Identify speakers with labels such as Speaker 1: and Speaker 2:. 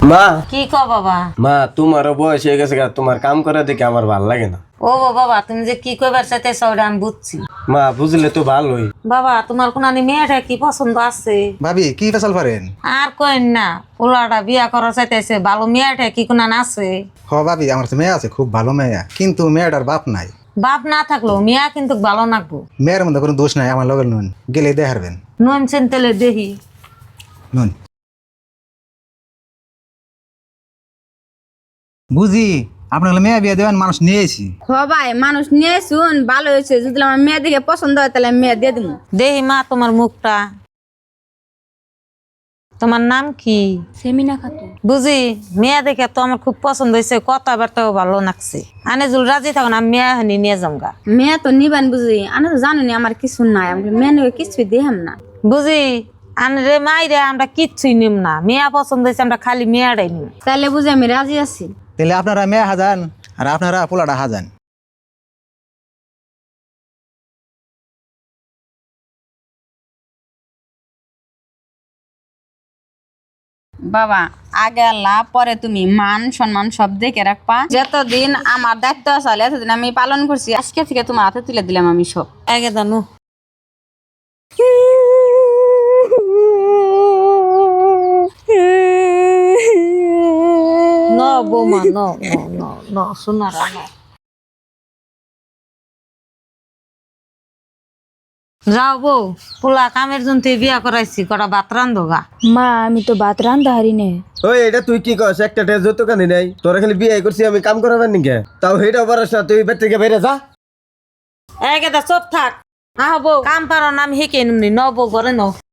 Speaker 1: মা
Speaker 2: কি ক বাবা?
Speaker 1: মা তোমারও বয়স হয়ে গেছে গা, তোমার কাম করে দেখে আমার ভাল লাগে না।
Speaker 2: ও বাবা, তুমি যে কি কইবার চাইতেছ ওটা আমি বুঝছি।
Speaker 1: মা বুঝলে তো ভালোই।
Speaker 2: বাবা, তোমার কোন মেয়েটা কি পছন্দ আছে?
Speaker 3: ভাবি কি ফেসাল পারেন?
Speaker 2: আর কইন না, পোলাটা বিয়া করা চাইতেছে, ভালো মেয়েটা কি কোন আছে?
Speaker 3: হ ভাবি, আমার তো মেয়ে আছে, খুব ভালো মেয়ে, কিন্তু মেয়েটার বাপ নাই।
Speaker 2: বাপ না থাকলো মেয়া কিন্তু ভালো নাকবো।
Speaker 3: মেয়ের মধ্যে কোনো দোষ নাই, আমার লগের নুন গেলে দেখারবেন।
Speaker 2: নুন চেনতেলে দেহি।
Speaker 3: নুন বুঝি আপনার মেয়ে বিয়ে দেবেন, মানুষ নিয়েছি।
Speaker 4: ভাই মানুষ নিয়ে শুন, ভালো হয়েছে। যদি আমার মেয়ে দেখে পছন্দ হয় তাহলে আমি মেয়ে দিয়ে দিব।
Speaker 2: দেহি মা তোমার মুখটা। তোমার নাম কি?
Speaker 4: সেমিনা খাতুন।
Speaker 2: বুঝি মেয়া দেখে তো আমার খুব পছন্দ হয়েছে, কথাবার্তাও ভালো লাগছে। আনে জুল রাজি থাকো না, মেয়া হানি নিয়ে যামগা।
Speaker 4: মেয়ে তো নিবেন বুঝি, আমি তো জানি আমার কিছু নাই, আমি মেয়ে নিয়ে কিছুই দেখাম না।
Speaker 2: বুঝি আনে রে মাই রে, আমরা কিচ্ছুই নিম না, মেয়া পছন্দ হয়েছে আমরা খালি মেয়াটাই নিম।
Speaker 4: তাহলে বুঝি আমি রাজি আছি।
Speaker 3: তাহলে আপনারা মেয়ে হাজান আর আপনারা পোলাটা হাজান।
Speaker 4: বাবা আগে আল্লাহ, পরে তুমি, মান সম্মান সব দেখে রাখবা। যতদিন আমার দায়িত্ব আছে এতদিন আমি পালন করছি, আজকে থেকে তোমার হাতে তুলে দিলাম আমি সব।
Speaker 2: আগে জানো ন বৌমা ন ন ন ন সোনারা ন। যাও বউ, পোলা কামের জন্য বিয়া করাইছি, কটা ভাত রান্ধোগা।
Speaker 5: মা আমি তো ভাত রান্ধতে হারি নে।
Speaker 1: ওই এটা তুই কি কস? একটা যত কানি নাই তোরা, খালি বিয়ে করছি আমি কাম করাবেন নিকে, তাও হেটা পারস না? তুই বেড থেকে বেরে যা।
Speaker 2: একে চুপ থাক। আহ বউ, কাম পারো না আমি শিখে নিমনি। ন বউ ঘরে ন।